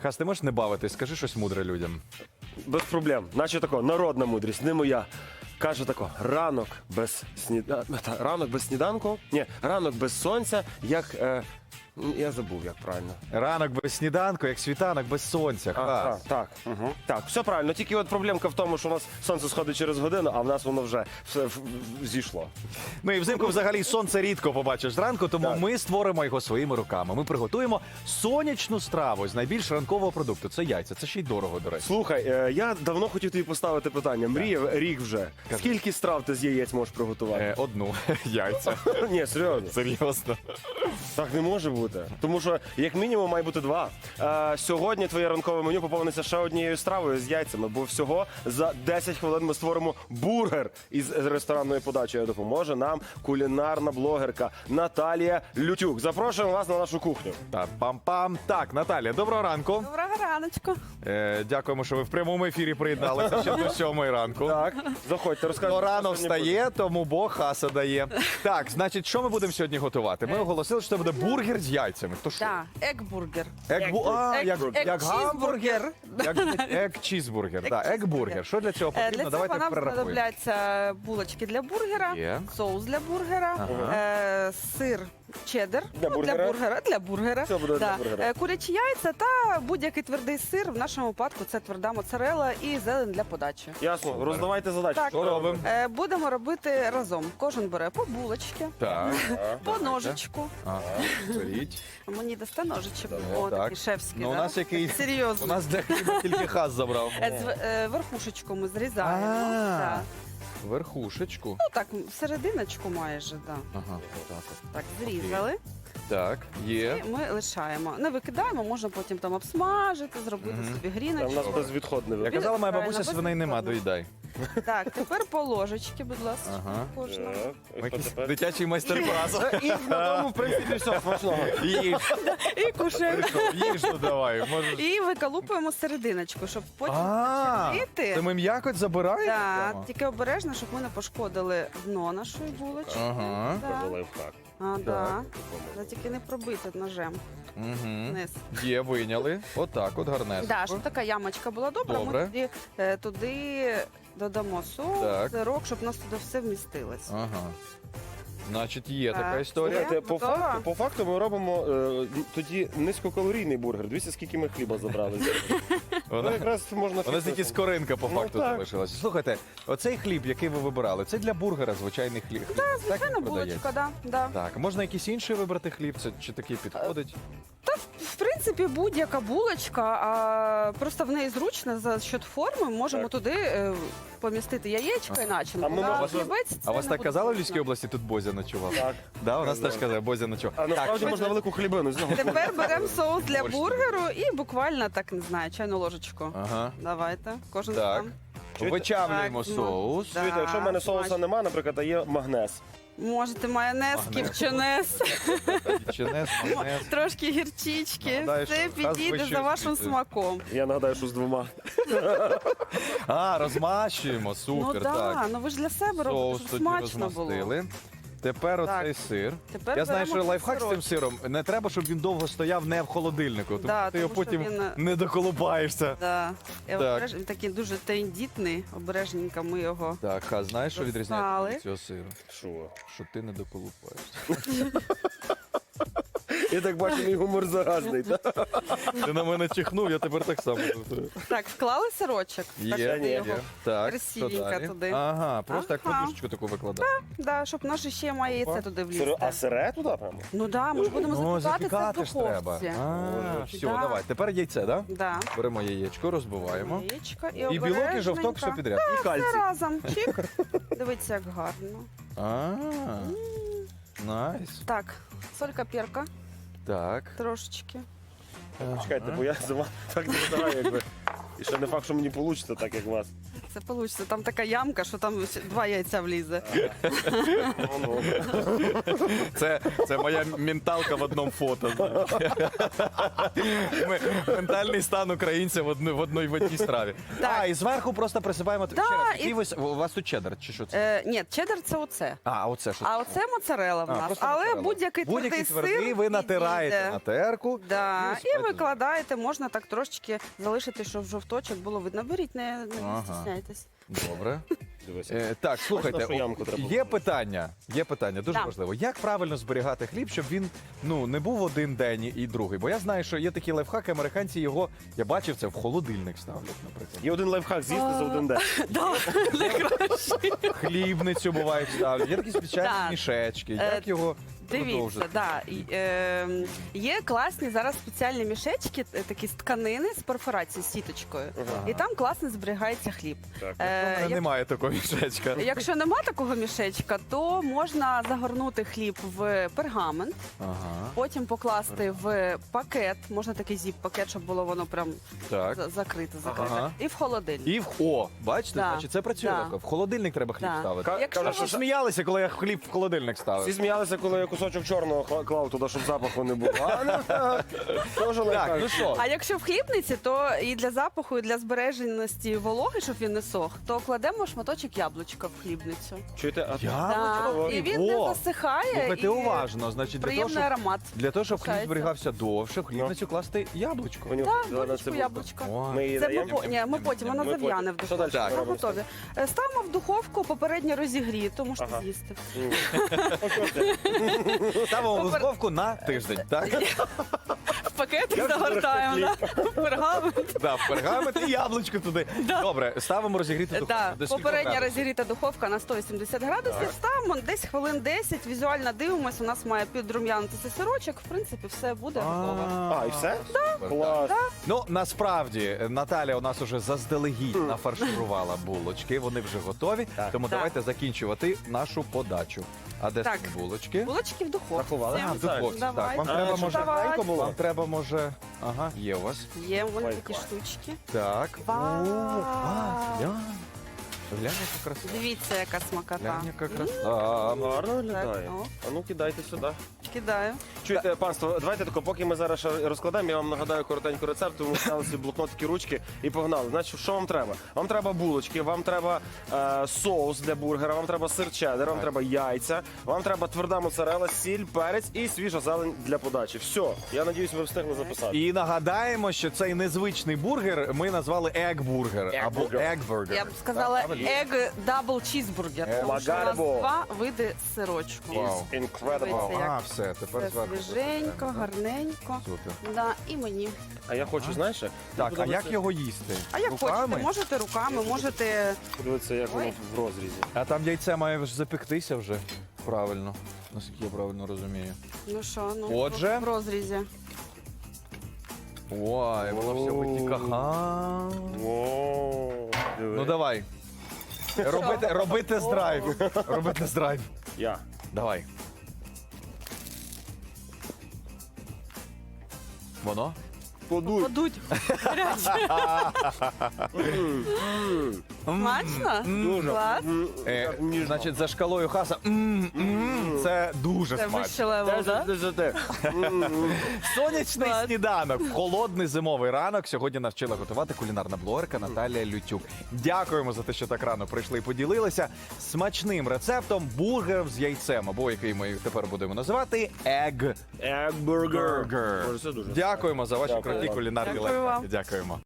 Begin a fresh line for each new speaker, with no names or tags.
Хас, ти можеш не бавитись, скажи щось мудре людям.
Без проблем. Наче тако, народна мудрість, не моя. Каже тако, ранок без сніданку, ні, ранок без сонця, як, я забув, як правильно.
Ранок без сніданку, як світанок без сонця. Хас.
Так, так, все правильно. Тільки от проблемка в тому, що у нас сонце сходить через годину, а в нас воно вже все зійшло.
Ну і взимку взагалі сонце рідко побачиш зранку, тому
Так.
ми створимо його своїми руками. Ми приготуємо сонячну страву з найбільш ранкового продукту. Це яйця, це ще й дорого, до речі.
Слухай, я давно хотів тобі поставити питання. Мріяв рік вже. Скільки страв ти з яєць можеш приготувати?
Одну яйця.
Ні, серйозно.
Серйозно.
Так не може бути. Тому що, як мінімум, має бути 2. Сьогодні твоє ранкове меню поповниться ще однією стравою з яйцями, бо всього за 10 хвилин ми створимо бургер із ресторанною подачею. Допоможе нам кулінарна блогерка Наталія Лютюк. Запрошуємо вас на нашу кухню.
Так, пам-пам. Так, Наталія, доброго ранку.
Доброго раночку.
Дякуємо, що ви в прямому ефірі приєдналися ще до 7 ранку.
Так, заходьте, розкажіть.
Ну, рано
що сьогодні
встає, тому Бог хаса дає. Так, значить, що ми будемо сьогодні готувати? Ми оголосили, що це буде бургер з яйцями. То що?
Так, ек-бургер.
Як гамбургер.
Ек-чізбургер.
Ек-чізбургер. Так, ек-бургер. Що для цього потрібно?
Для цього
Давайте
нам
перерахуємо.
знадобляться булочки для бургера,
Є.
соус для бургера, сир чеддер
Для бургера.
для бургера.
Це буде для бургера.
Курячі яйця та будь-який твердий сир. В нашому випадку це тверда моцарелла і зелень для подачі.
Ясно, роздавайте задачі.
Так.
Що робимо?
Будемо робити разом. Кожен бере по булочки,
Так.
по ножичку.
Ага. Беріть.
Мені дасте ножичок.
Давай.
О,
Так.
такий шефський.
Ну, у
да?
нас який-
Серйозно.
У нас для хліба тільки хас забрав.
Верхушечку ми зрізаємо.
А.
Да.
Верхушечку.
Ну так, серединочку майже, да.
Ага, так.
Так, зрізали.
Так, є.
І ми лишаємо. Не викидаємо, можна потім там обсмажити, зробити собі
Та в
гріночку.
нас безвідходне.
Я казала, моя
Правильно,
бабуся, свиней нема,
безвідходно.
доїдай.
Так, тепер по ложечки, будь ласка,
Ага.
кожна.
Якийсь дитячий майстер-клас.
І на тому, в принципі, все смачного.
Їж,
І кушаємо.
їж, ну давай. Можеш.
І виколупуємо серединочку, щоб потім
А,
почерпіти.
це ми м'якоть забираємо?
Так,
прямо?
тільки обережно, щоб ми не пошкодили дно нашої булочки.
Ага.
Да.
Лайфхак.
Да. Да, тільки не пробити ножем
Угу.
вниз.
Є, вийняли. Отак, от гарнесенько.
Да, щоб така ямочка була добра,
Добре.
ми тоді туди додамо соус,
Так.
сирок, щоб у нас туди все вмістилось.
Ага. Значить, є така
Так.
історія.
Слухайте,
Готова?
по факту ми робимо тоді низькокалорійний бургер. Дивіться, скільки ми хліба забрали. Ну,
Вона,
якраз можна...
вона тільки скоринка по
Ну,
факту
так.
залишилася. Слухайте, оцей хліб, який ви вибирали, це для бургера звичайний хліб. Так,
Звичайна
він продається?
булочка, да.
Так, можна якийсь інший вибрати хліб, це чи такий підходить?
В принципі, будь-яка булочка, а просто в неї зручно за счет форми. Можемо
Так.
туди помістити яєчко і начинку.
А ми можемо-
хлібець
А
це
вас
не
так
буде
казали в
зручно.
Львівській області, тут Бозя ночував?
Так.
Да, у нас теж казали, Бозя ночував.
А насправді можна велику хлібину з нього.
Тепер беремо соус для
Борщ.
бургеру і буквально так, не знаю, чайну ложечку.
Ага.
Давайте, кожен
Так.
сам.
Чуєте?
Вичавлюємо
Так, ну,
соус.
да.
Чуєте, якщо в мене соуса
смачно.
нема, наприклад, а є магнез.
Можете майонез,
Магнез.
кіпчунес,
Чинес, майонез.
трошки гірчички.
Нагадаю,
Все
що раз
підійде
вище
за вашим
освіти.
смаком.
Я нагадаю, що з 2.
А, розмащуємо,
Ну
супер,
так,
так.
ну ви ж для себе робите,
Соус
щоб
тоді
смачно було.
розмастили. Тепер
Так.
оцей сир.
Тепер
Я знаю,
беремо
що лайфхак з цим
сирочок.
сиром. Не треба, щоб він довго стояв не в холодильнику, тому
Да,
що ти його
тому що
потім
він,
не доколупаєшся.
Да.
Так.
Він такий дуже тендітний, обережненько ми його.
Так, а знаєш, що відрізняється
Достали.
від цього сиру?
Що?
Що ти не доколупаєшся.
Я так бачу, мій гумор заразний. так?
Ти на мене чихнув, я тепер так само.
Так, вклали сирочок.
Є,
Так,
є,
туди
є.
його.
Так,
красивенько
що далі?
туди.
Ага, просто як
Ага.
подушечку таку викладати.
Да, щоб наше ще має яйце туди влізти.
А сире туди прямо?
Ну да, ми ж будемо
Ну,
запікати це в
запікати ж треба.
духовці.
А, все,
Да.
давай. Тепер яйце, да?
Да.
Беремо яєчко, розбиваємо.
Яєчко і
І білок, і жовток, все
обережненько.
підряд. І
Все
кальцій.
разом. Чик. Дивіться, як гарно.
А, найс.
Так, солька, перка,
Так.
трошечки.
Чекайте, бо я за вами так не знаю, якби. І ще не факт, що мені вийде так, як у вас.
Це вийде. Там така ямка, що там 2 яйця влізе.
Це моя менталка в одному фото. Ментальний стан українця в одній страві.
Так.
І зверху просто присипаємо.
Да,
Ще раз,
і-
який у вас тут чеддер, чи що це?
Ні, чеддер це оце.
А, оце що?
А оце моцарела в нас.
просто
Але
моцарелла.
будь-який
Будь-який
твердий сир
ви натираєте
підійде.
на терку.
Да.
Ну,
І
справді.
викладаєте, можна так трошечки залишити, щоб жовточок було видно. Беріть, не
Ага.
стісняйтесь.
Добре.
Дивися.
Так, слухайте,
нашу ямку треба
є питання, дуже
Да.
важливо. Як правильно зберігати хліб, щоб він не був один день і другий? Бо я знаю, що є такі лайфхаки, американці його, я бачив це, в холодильник ставлять, наприклад.
Є один лайфхак з'їсти за один день.
Хлібницю бувають ставлять, є такі спеціальні
Так.
мішечки.
Е,
Як його
Дивіться,
продовжити?
да. Є класні зараз спеціальні мішечки, такі з тканини з перфорацією, з сіточкою.
Ага.
І там класно зберігається хліб.
Так.
У мене
Як-
немає такого мішечка.
Якщо нема такого мішечка, то можна загорнути хліб в пергамент,
Ага,
потім покласти в пакет, можна такий зіп-пакет, щоб було воно прям
так.
закрите,
Ага.
і в холодильник.
І бачите,
Да.
значить це працює.
Да.
тако. В холодильник треба хліб
Да.
ставити.
Якщо
А що
ви-
сміялися, коли я хліб в холодильник
Всі
ставив?
сміялися, коли я кусочок чорного клав туди, щоб запаху не було. А, ну, так. Тоже
Так,
лайфхак.
ну що?
А якщо в хлібниці, то і для запаху, і для збереженості вологи, щоб він не сох, то кладемо шматочок яблучка в хлібницю.
Чуєте? А
Да. І він не засихає.
Слухайте
і
уважно, значить,
приємний аромат.
для того, щоб хліб
Лишається.
зберігався довше, в хлібницю класти яблучко.
понюхай,
Так,
давай на
долечку
цибульку.
яблучка.
О.
Ми її
Це
даємо?
ми потім, вона
Ми
зав'яне в
потім. Що
духовці.
далі
Ми
робимо?
готові. Ставимо в духовку, попередньо розігріту, можете
Ага.
з'їсти.
Ставимо в духовку на тиждень, так?
В пакет
Я вже
загортаємо,
беру
да? В пергамент.
Да, в пергамент і яблучко туди. Добре, ставимо розігріти духовку.
Так,
До скількох
попередня
градусів?
розігріта духовка на 180 градусів. Ставимо десь хвилин 10, візуально дивимося, у нас має підрум'янитися сирочок, в принципі, все буде готово.
А, і все?
Супер,
Клас.
Ну, насправді, Наталя у нас уже заздалегідь нафарширувала булочки, вони вже готові,
Так.
тому
Так.
давайте закінчувати нашу подачу. А де
Так.
самі булочки?
Булочки в духовці.
Рахували?
А, в духовці, так.
Давай.
Вам
А,
треба,
щоб
може,
давай.
швидко було?
вам треба, може... Ага, є у вас.
Є вон
Ой,
такі
клас.
штучки.
Так.
Вау.
Глянь. Глянь, яка краса.
Дивіться, яка смакота.
Глянь, яка краса.
Гарно виглядає.
Так, о.
А ну кидайте сюди.
Кидаю.
Чуєте, панство, давайте тако, поки ми зараз ще розкладемо, я вам нагадаю коротенько рецепт, тому взяли собі блокнотики, ручки і погнали. Значить, що вам треба? Вам треба булочки, вам треба соус для бургера, вам треба сир чеддер, вам треба яйця, вам треба тверда моцарелла, сіль, перець і свіжа зелень для подачі. Все, я надіюсь, ви встигли записати.
І нагадаємо, що цей незвичний бургер ми назвали Egg-бургер або
Egg-бургер.
Egg-бургер.
Я б сказала
Так, правильно?
egg double cheeseburger, тому що у нас
Магарбо.
2 види сирочку.
Вау.
It's incredible.
Дивіться,
А, все, тепер
Все
зверху.
свіженько, гарненько.
Супер.
Да, і мені.
А я хочу, знаєш,
Так, а як його їсти?
А як
Руками?
хочете, можете руками, можете.
подивитися, як воно
Ой.
в розрізі.
А там яйце має ж запектися вже. Правильно. Наскільки я правильно розумію.
Ну що, ну
Отже.
в розрізі.
Ой, воно все витікає.
О, диви.
Ну давай. Роби тест-драйв. Роби тест-драйв.
Я.
Давай. Воно?
Подуй.
Подуть. Гаряче. Смачно?
Дуже.
Клас.
Ніжно.
Значить, за шкалою Хаса. Це дуже
Це
смачно.
вище левел, так?
Сонячний
Клас.
сніданок, холодний зимовий ранок. Сьогодні нас вчила готувати кулінарна блогерка Наталія Лютюк. Дякуємо за те, що так рано прийшли і поділилися смачним рецептом бургерів з яйцем, або який ми тепер будемо називати Egg
Egg burger.
Burger.
Боже, це дуже
Дякуємо за ваші
Дякую
круті
вам.
кулінарні
Дякую вам.
лайфхаки. Дякуємо.